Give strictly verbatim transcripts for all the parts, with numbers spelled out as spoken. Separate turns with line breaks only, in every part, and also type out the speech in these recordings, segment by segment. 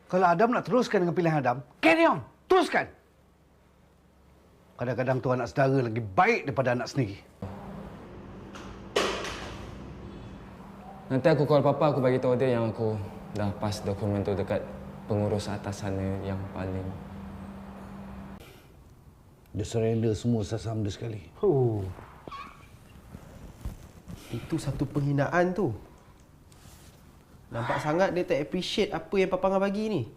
Kalau Adam nak teruskan dengan pilihan Adam, carry on. Teruskan. Kadang-kadang tu anak saudara lagi baik daripada anak sendiri.
Nanti aku call papa, aku bagi tahu dia yang aku dah pass dokumen tu dekat pengurus atas sana yang paling.
Dia surrender semua saham dia sekali.
Oh. Itu satu penghinaan tu. Nampak sangat dia tak appreciate apa yang Papa Angah bagi ni.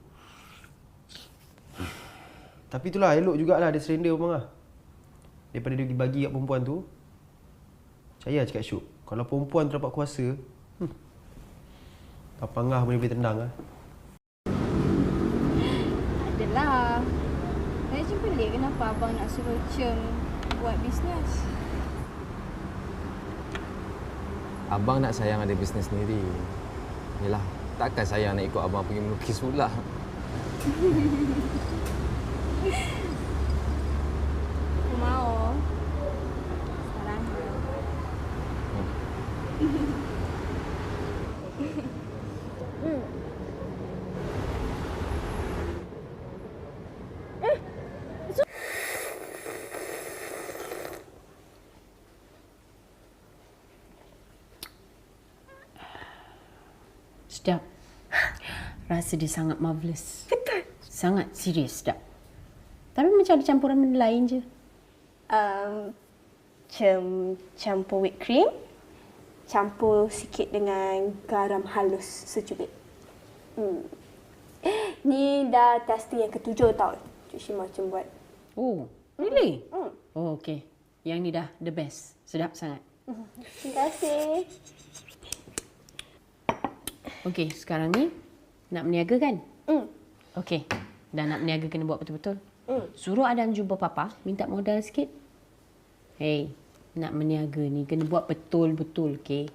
Tapi itulah, elok jugalah dia surrender Papa Angah. Daripada dia dibagi kat perempuan tu. Percaya cakap Syuk, kalau perempuan tu dapat kuasa, hmm, Papa Angah boleh boleh tendang lah.
Adalah. Saya je pelik kenapa abang nak suruh Cem buat bisnes.
Abang nak sayang ada bisnes sendiri. Yalah, takkan sayang nak ikut abang pergi melukis pula.
Aku mau. Sekarang. Hmm.
Sedap. Rasa dia sangat marvelous.
Betul.
Sangat serius sedap. Tapi macam ada campuran benda lain je.
Um, Cem campur whipped cream, campur sikit dengan garam halus secubit. Hmm. Ni dah testing yang ketujuh tau Cik Shima Cem buat.
Oh, really?
Hmm.
Oh, okey. Yang ni dah the best. Sedap sangat.
Terima kasih.
Okey, sekarang ni nak berniaga kan?
Hmm.
Okey. Dan nak berniaga kena buat betul-betul.
Hmm.
Suruh Adam jumpa Papa, minta modal sikit. Hey, nak berniaga ni kena buat betul-betul, okey?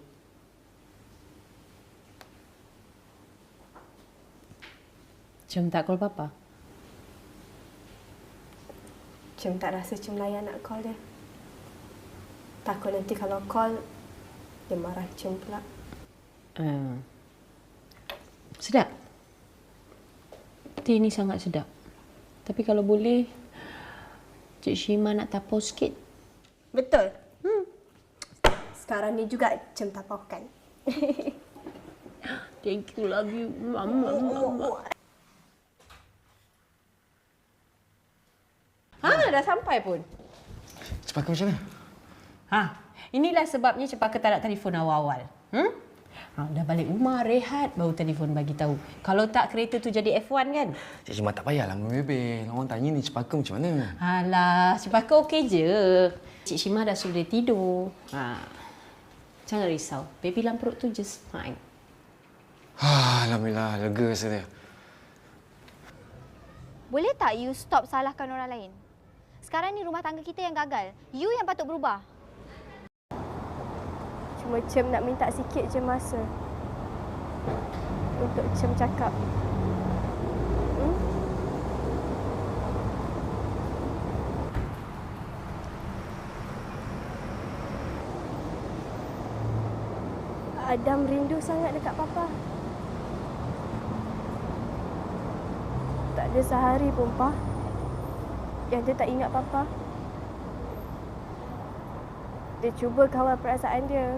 Cem tak call Papa?
Cem tak rasa Cem layan nak call dia. Takut nanti kalau call, dia marah Cem pula.
Uh, sedap. Teh ni sangat sedap. Tapi kalau boleh, Cik Shima nak tapau sikit.
Betul. Hmm. Sekarang ni juga Cem tapaukan.
Thank you, love you. Mama, mama. Ha, dah sampai pun.
Cepaka macam mana?
Ha, inilah sebabnya Cepaka tak nak telefon awal-awal. Hmm? Ha, dah balik rumah, rehat, baru telefon bagi tahu. Kalau tak, kereta tu jadi F one kan?
Cik Cuma tak payahlah membebel. Orang tanya ni Cepaka macam mana?
Alah, Cepaka okey je. Cik Shima dah suruh dia tidur. Ha. Jangan risau. Baby dalam perut tu just fine.
Alhamdulillah, lega rasa dia.
Boleh tak you stop salahkan orang lain? Sekarang ni rumah tangga kita yang gagal. You yang patut berubah.
Cuma Cem nak minta sikit je masa untuk Cem cakap. Hmm? Adam rindu sangat dekat Papa. Tak ada sehari pun, Pa, yang dia tak ingat Papa. Dia cuba kawal perasaan dia.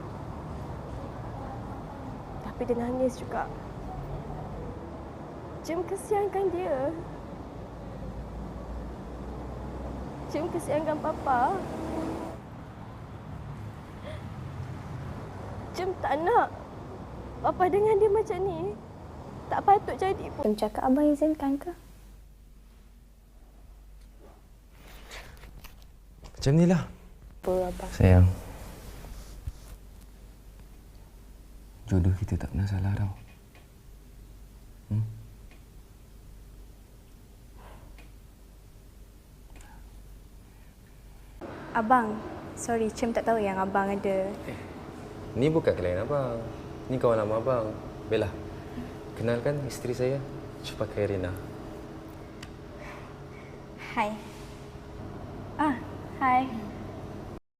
Tapi dia nangis juga. Cem kesiankan dia. Cem kesiankan Papa. Cem tak nak Papa dengan dia macam ni. Tak patut jadi pun. Cem cakap abang izinkan ke?
Macam ni lah.
Apa, Abang?
Sayang. Jodoh kita tak pernah salah tau. Hmm?
Abang, sorry, Cem tak tahu yang abang ada.
Eh, ni bukan klien abang. Ni kawan lama abang. Bella. Kenalkan isteri saya, Cepaka Irina.
Hai.